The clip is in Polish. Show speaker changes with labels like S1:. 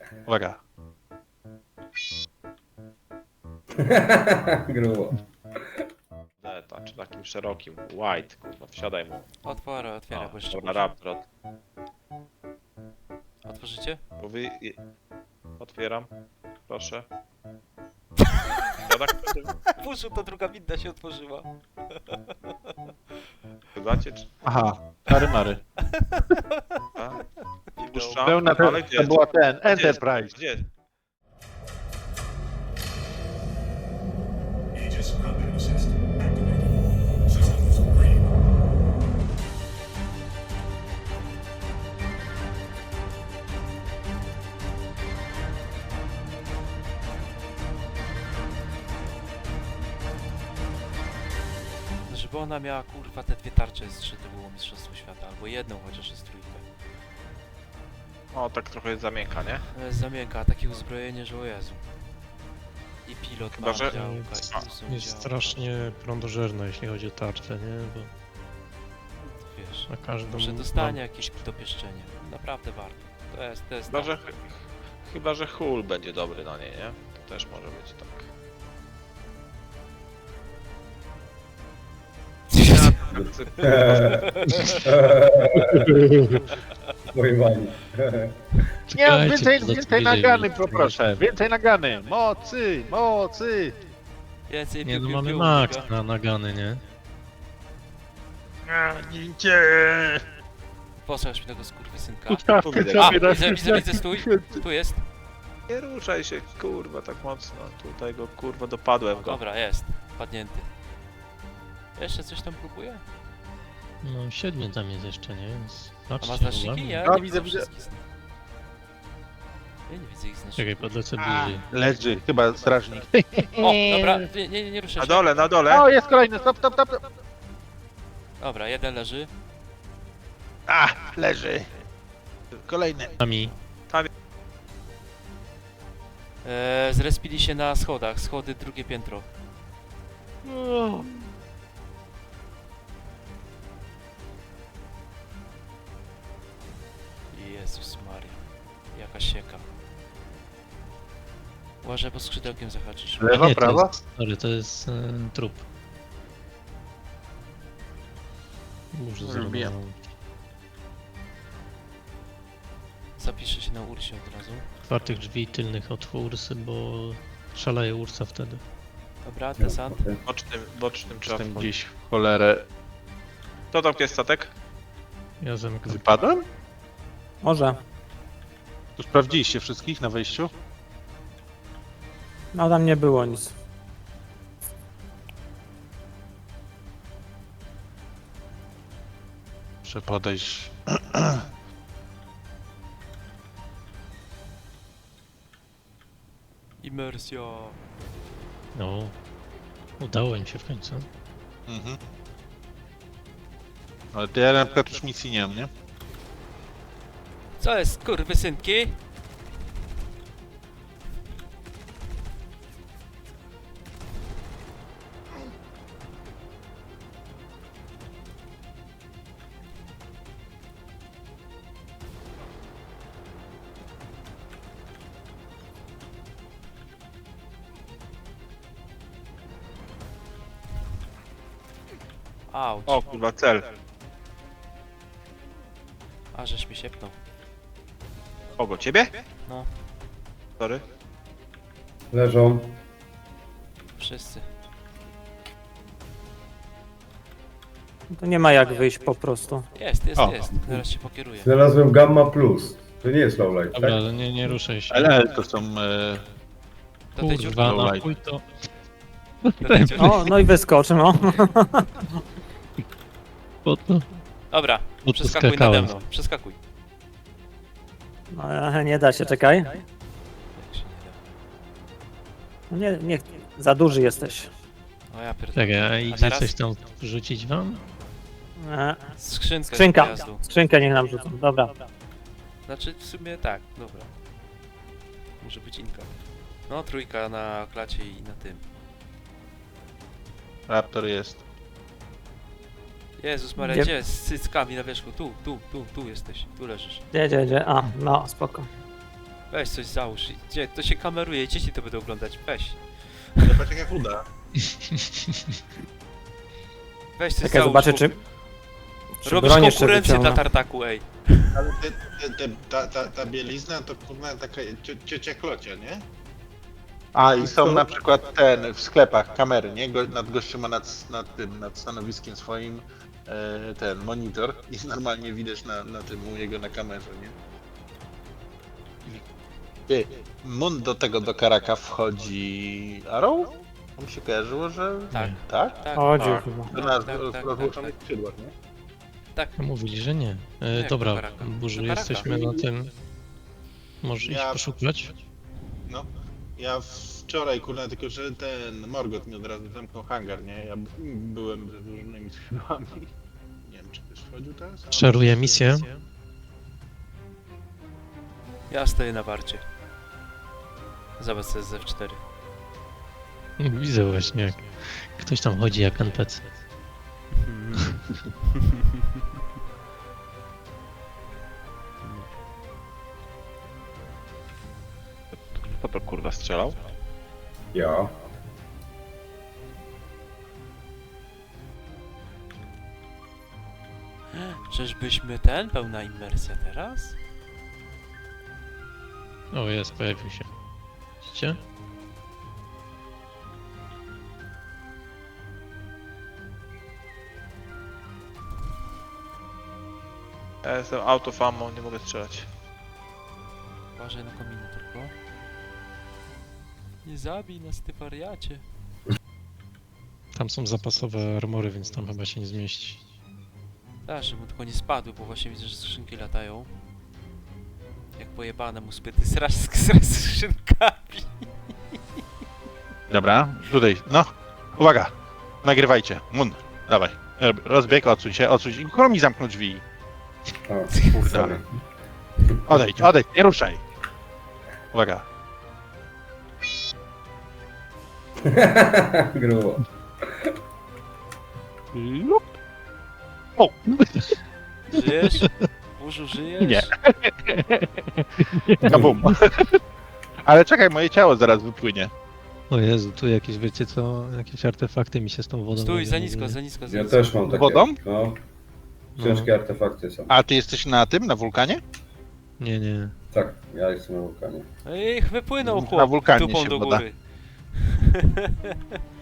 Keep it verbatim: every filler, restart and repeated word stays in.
S1: Uwaga.
S2: Grubo.
S3: Deta, czy takim szerokim. White, kurwa, wsiadaj mu.
S4: Otworzę, otwieram,
S3: O,
S4: bo jeszcze
S3: dobra,
S4: muszę.
S3: Raptor. Ot-
S4: Otworzycie?
S3: Bo wy... je- Otwieram. Proszę. Ja tak
S4: Puszu, to druga winda się otworzyła.
S3: Chybacie, czy...
S1: Aha, Mary Mary.
S3: A?
S4: Wideo.
S3: Puszczam.
S1: Pełna
S3: Ale gdzie
S1: to
S3: jest?
S1: była ten,
S3: Gdzie jest?
S1: Enterprise.
S3: Gdzie jest?
S5: Aegis combat assist activated. Systems green.
S4: Żeby ona miała kurwa te dwie tarcze z trzy, to było mistrzostwo świata, albo jedną chociaż jest trójkę.
S3: O, tak trochę jest zamięka, nie?
S4: To jest zamięka, a takie uzbrojenie, że o Jezu. I pilot
S3: Chyba,
S4: ma
S3: że-
S4: działka, i
S3: A,
S4: tu są
S6: Jest
S4: działka.
S6: strasznie prądożerne, jeśli chodzi o tarczę, nie? Bo
S4: Wiesz,
S6: na każdym...
S4: może dostanie jakieś dopieszczenie. Naprawdę warto. To jest, to jest
S3: Chyba,
S4: tak.
S3: że... Chyba, że Hull będzie dobry na niej, nie? To też może być tak.
S2: Pojmani.
S1: Nie,
S6: Czekajcie,
S1: więcej,
S6: to
S1: więcej
S6: zaczęli
S1: nagany
S6: wiedzieć.
S1: poproszę. Więcej nagany. Mocy, mocy.
S4: Więcej
S6: Nie,
S4: piu,
S6: no
S4: piu,
S6: mamy
S4: piu,
S6: max
S4: piu.
S6: na nagany, nie?
S1: Gincie.
S4: Posłuchaj mi tego skurwysynka.
S1: Ustawkę
S3: A,
S4: A,
S1: sobie na
S4: widzę, widzę, widzę, stój. Tu jest.
S3: Nie ruszaj się, kurwa, tak mocno. Tutaj go, kurwa, dopadłem go.
S4: Dobra, jest. Padnięty. Jeszcze coś tam próbuje?
S6: No siedmiu tam jest jeszcze, nie? Więc
S4: A ma
S6: patrzcie,
S4: znaczniki?
S6: uwaga.
S4: Ja
S1: No,
S4: nie
S1: widzę,
S4: widzę
S1: widzę.
S4: wszystkich zna- Ja nie widzę ich
S6: Czekaj,
S4: znaczników.
S6: podlecę bliżej.
S1: Leży, chyba strażnik.
S4: O, dobra, nie, nie, nie ruszaj
S3: Na
S4: się.
S3: dole, na dole.
S1: O, jest kolejny, stop, stop, stop.
S4: Dobra, jeden leży.
S1: A, leży. Kolejny.
S6: Nami.
S4: Eee, zrespili się na schodach. Schody, drugie piętro. Jezus Maria. Jaka sieka. Uważaj, bo skrzydełkiem zahaczysz.
S1: Lewa,
S6: Nie, to
S1: prawa?
S6: jest, sorry, to jest e, trup. Muszę
S1: Lubię.
S6: zrobić.
S4: Zapiszę się na Ursie od razu.
S6: Otwartych drzwi tylnych od Ursy, bo szaleje Ursa wtedy.
S4: Dobra, desant.
S3: Bocznym, bocznym trzeba
S1: Jestem
S3: wchodzić.
S1: gdzieś w cholerę.
S3: Kto tam jest statek?
S6: Ja zamykam.
S1: Wypadłem?
S7: Może.
S1: To sprawdziliście wszystkich na wejściu?
S7: No tam nie było nic.
S1: Muszę podejść.
S4: Imersja.
S6: No. Udało im się w końcu.
S1: Mhm. Ale to ja na przykład już misji nie mam, nie?
S4: Co jest, kurwysynki? Auć.
S3: O, kurwa, cel.
S4: A, żeś mi siepnął.
S3: Kogo, ciebie?
S4: No.
S3: Sorry.
S2: Leżą.
S4: Wszyscy.
S7: To nie ma jak wyjść po prostu.
S4: Jest, jest,
S1: O.
S4: jest. Zaraz się pokieruję.
S2: Znalazłem Gamma Plus. To nie jest lowlight,
S6: Dobra,
S2: tak?
S6: ale nie, nie ruszaj się.
S1: L L to są... E...
S4: Do tej dziurki.
S6: Kurwa,
S1: dziurki.
S6: na chuj to...
S4: Do tej dziurki.
S7: O, no i wyskocz, no.
S6: Po to...
S4: Dobra,
S6: po to
S4: przeskakuj nade
S6: skakałem.
S4: mną. Przeskakuj.
S7: no. Nie da się, czekaj.
S4: Jak się nie
S7: No nie, nie, za duży jesteś.
S4: da. O ja pierdolę.
S6: Czekaj, a
S4: A
S6: idzie
S4: teraz?
S6: coś tam wrzucić wam?
S7: E,
S4: Skrzynkę z
S7: Skrzynka.
S4: pojazdu.
S7: Skrzynkę niech nam rzucą, dobra.
S4: Znaczy w sumie tak, dobra. Może być inka. No, trójka na klacie i na tym.
S1: Raptor jest.
S4: Jezus Maria,
S7: Gdzie-
S4: gdzie? Z cyckami na wierzchu. Tu, tu, tu, tu jesteś. Tu leżysz.
S7: Gdzie, gdzie, gdzie? A, no, spoko.
S4: Weź coś załóż. Gdzie? To się kameruje, dzieci to będą oglądać. Weź.
S8: Zobacz jak uda.
S4: Weź coś
S7: Tak, ja
S4: załóż.
S7: zobaczę,
S4: bo
S7: czy... czy
S4: Robisz
S7: broń jeszcze
S4: konkurencję dla
S7: wyciągnę.
S4: tartaku, ej.
S8: Ale te, te, te, ta, ta, ta bielizna to kurwa taka cio, ciocia klocia, nie? A i są na przykład ten w sklepach kamery, nie? Go, nad gościem ma nad, nad tym, nad stanowiskiem swoim e, ten monitor i normalnie widać na, na tym u jego na kamerze, nie? Ty, Mun do tego do Karaka wchodzi Arrow? Mi się kojarzyło, że
S4: Tak,
S8: tak?
S4: tak.
S7: Chodził
S4: tak.
S7: chyba.
S8: To
S4: Tak,
S8: na
S4: tak, tak, tak,
S8: rozłączonych
S4: tak.
S8: skrzydłach, nie?
S4: Tak.
S6: Mówili, że nie. E,
S4: Jak
S6: dobra,
S4: do Karaka?
S6: Burzu,
S4: Do Karaka.
S6: jesteśmy na tym. Możesz iść
S8: Ja-
S6: poszukać?
S8: No, ja wczoraj, kurna, tylko że ten Morgot mi od razu zamknął hangar, nie? Ja b- byłem ze różnymi skrzydłami. Nie wiem, czy też wchodził teraz? ale-
S6: Szaruję misję.
S4: Ja stoję na warcie. Zobacz co jest z F cztery.
S6: Widzę właśnie, jak ktoś tam chodzi jak N P C.
S1: Kto to kurwa strzelał?
S2: Ja.
S4: Czyżbyśmy ten? Pełna immersja teraz?
S6: O, jest, pojawił się. Widzicie?
S3: Ja jestem out of ammo, nie mogę strzelać.
S4: Uważaj na kominy tylko. Nie zabij nas, ty wariacie.
S6: Tam są zapasowe armory, więc tam chyba się nie zmieści.
S4: Tak, żeby tylko nie spadły, bo właśnie widzę, że skrzynki latają. Jak pojebane mu spyty srasz z skrzynkami.
S1: Dobra, tutaj, no. Uwaga, nagrywajcie. Mun, dawaj. Rozbieg, odsuń się, odsuń się. Kurwa mi zamknął drzwi.
S2: O,
S1: Kurde.
S2: sorry.
S1: Odejdź, odejdź, nie ruszaj. Uwaga.
S2: Grubo.
S1: Lup. O!
S4: Żyjesz? Burzu, żyjesz?
S1: Nie. Kabum. Ale czekaj, moje ciało zaraz wypłynie.
S6: O Jezu, tu jakieś, wiecie co, jakieś artefakty mi się z tą wodą...
S4: Stój, za
S6: robią,
S4: nisko,
S6: nie?
S4: za nisko, za
S2: Ja
S4: nisko.
S2: też mam takie.
S1: Wodą?
S2: No. Ciężkie artefakty są.
S1: A ty jesteś na tym, na wulkanie?
S6: Nie, nie.
S2: Tak, ja jestem na wulkanie.
S4: Ej, wypłynął
S1: Na
S4: chłop
S1: wulkanie
S4: dupą
S1: się
S4: do
S1: woda.
S4: góry.